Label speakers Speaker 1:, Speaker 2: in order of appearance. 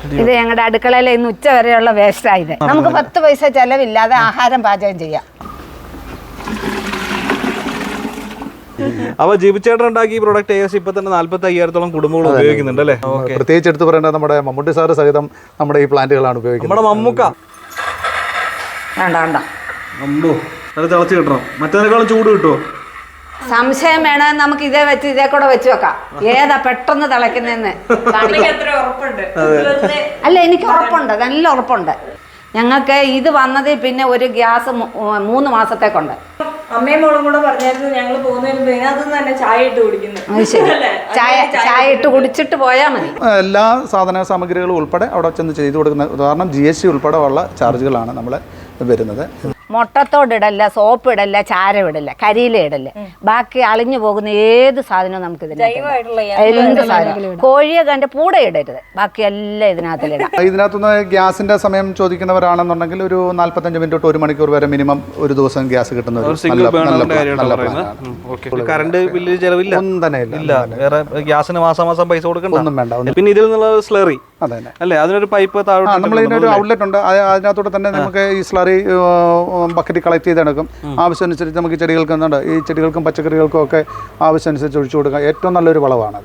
Speaker 1: ഇത് ഞങ്ങളുടെ അടുക്കളയിലെ ഇന്ന് ഉച്ച വരെയുള്ള വേസ്റ്റായത്. നമുക്ക് 10 പൈസ ചെലവില്ലാതെ ആഹാരം പാചകം ചെയ്യാം.
Speaker 2: അപ്പൊ ജിബിച്ചേട്ടൻ ഉണ്ടാക്കിയ പ്രോഡക്റ്റ് ഏകദേശം ഇപ്പൊ തന്നെ 45,000-ഓളം കുടുംബങ്ങൾ ഉപയോഗിക്കുന്നുണ്ട് അല്ലേ?
Speaker 3: പ്രത്യേകിച്ച് എടുത്ത് പറയേണ്ടത് നമ്മുടെ മമ്മൂട്ടി സാറ് സഹിതം നമ്മുടെ ഈ പ്ലാന്റുകളാണ് ഉപയോഗിക്കുന്നത്.
Speaker 2: നമ്മുടെ മമ്മൂക്ക
Speaker 1: വേണ്ട
Speaker 2: അമ്പോ അത് തിളച്ച് കിട്ടണം. മറ്റേതിനേക്കാളും ചൂട് കിട്ടുമോ?
Speaker 1: സംശയം വേണമെങ്കിൽ നമുക്ക് ഇതേ വെച്ച് ഇതേ കൂടെ വെച്ച് വെക്കാം. ഏതാ പെട്ടെന്ന് തിളയ്ക്കുന്നതെന്ന് അല്ല, എനിക്ക് ഉറപ്പുണ്ട്, നല്ല ഉറപ്പുണ്ട്. ഞങ്ങൾക്ക് ഇത് വന്നതിൽ പിന്നെ ഒരു ഗ്യാസ് 3 മാസത്തേക്കുണ്ട്.
Speaker 4: അമ്മയും മോളും കൂടെ പറഞ്ഞായിരുന്നു ഞങ്ങൾ പോകുന്നതിന് അതൊന്നും തന്നെ ചായ ഇട്ട് കുടിക്കുന്നു.
Speaker 1: ചായ ഇട്ട് കുടിച്ചിട്ട് പോയാൽ മതി.
Speaker 3: എല്ലാ സാധന സാമഗ്രികളും ഉൾപ്പെടെ അവിടെ ചെന്ന് ചെയ്തു കൊടുക്കുന്ന ഉദാഹരണം GST ഉൾപ്പെടെ ഉള്ള ചാർജുകളാണ് നമ്മൾ വരുന്നത്.
Speaker 1: മുട്ടത്തോടിടല്ല, സോപ്പ് ഇടല്ല, ചാരം ഇടല്ല, കരിയില ഇടല്ല. ബാക്കി അളിഞ്ഞു പോകുന്ന ഏത് സാധനവും നമുക്ക് എന്ത് സാധനം കോഴിയെ കണ്ട് പൂടെ ഇടരുത്, ബാക്കി എല്ലാം ഇതിനകത്തിലിടാം.
Speaker 3: ഇതിനകത്തുനിന്ന് ഗ്യാസിന്റെ സമയം ചോദിക്കുന്നവരാണെന്നുണ്ടെങ്കിൽ ഒരു 45 മിനിറ്റ് തൊട്ട് 1 മണിക്കൂർ വരെ മിനിമം ഒരു ദിവസം ഗ്യാസ് കിട്ടുന്ന
Speaker 2: കറണ്ട് ബില്ല് ചെലവില്ല,
Speaker 3: ഒന്നും തന്നെ
Speaker 2: ഇല്ല. വേറെ ഗ്യാസിന് മാസം പൈസ കൊടുക്കണ്ട,
Speaker 3: ഒന്നും വേണ്ട.
Speaker 2: പിന്നെ ഇതിൽ നിന്നുള്ള സ്ലറി
Speaker 3: അതെ
Speaker 2: അല്ലേ, അതിനൊരു പൈപ്പ് താഴെ
Speaker 3: നമ്മൾ ഇതിനൊരു ഔട്ട്ലെറ്റ് ഉണ്ട്. അതിനകത്തോടെ തന്നെ നമുക്ക് ഈ സ്ലറി ബക്കറ്റ് കളക്ട് ചെയ്തെടുക്കും. ആവശ്യമനുസരിച്ച് നമുക്ക് ചെടികൾക്ക് എന്തുണ്ട്, ഈ ചെടികൾക്കും പച്ചക്കറികൾക്കും ഒക്കെ ആവശ്യമനുസരിച്ച് ഒഴിച്ചു കൊടുക്കാം. ഏറ്റവും നല്ലൊരു വളമാണ്.